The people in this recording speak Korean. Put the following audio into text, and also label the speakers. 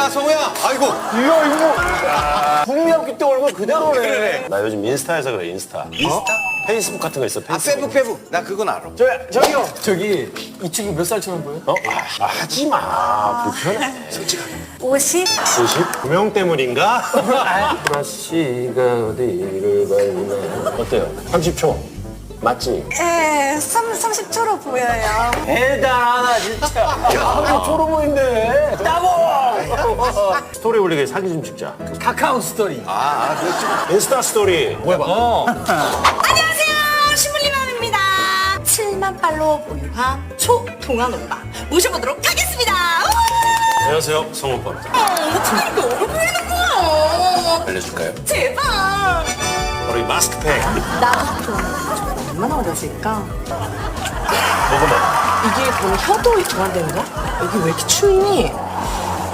Speaker 1: 야, 성우야. 아이고.
Speaker 2: 이거. 국민학교 때 얼굴 그대로네.
Speaker 1: 그래.
Speaker 3: 나 요즘 인스타에서 그래, 인스타.
Speaker 1: 인스타?
Speaker 3: 페이스북 같은 거 있어,
Speaker 1: 아,
Speaker 3: 페이스북.
Speaker 1: 페북. 나 그건 알아.
Speaker 2: 저기요. 저기 이 친구 몇 살처럼 보여?
Speaker 3: 하지 마. 불편해.
Speaker 4: 50?
Speaker 3: 50? 구명 때문인가? 브라시가 어디를 밟나. 어때요? 30초. 맞지?
Speaker 4: 네, 30초로 보여요.
Speaker 2: 대단하다 진짜. 야, 초로 보인대. 따봉.
Speaker 3: 스토리 올리게 사진 좀 찍자.
Speaker 2: 카카오 스토리.
Speaker 3: 인스타 스토리.
Speaker 2: 뭐야 봐.
Speaker 4: 안녕하세요, 시물리맘입니다. 7만 팔로워 보유한 초동안 오빠 모셔보도록 하겠습니다.
Speaker 3: 안녕하세요, 성오빠입니다.
Speaker 4: 어떻게 이렇게 어려 보이는 거야?
Speaker 3: 알려줄까요?
Speaker 4: 제발.
Speaker 3: 바로 이 마스크팩.
Speaker 4: 나부터 얼마나 어려질까?
Speaker 3: 먹어봐.
Speaker 4: 이게 보면 혀도 동안되는 거야? 여기 왜 이렇게 추니?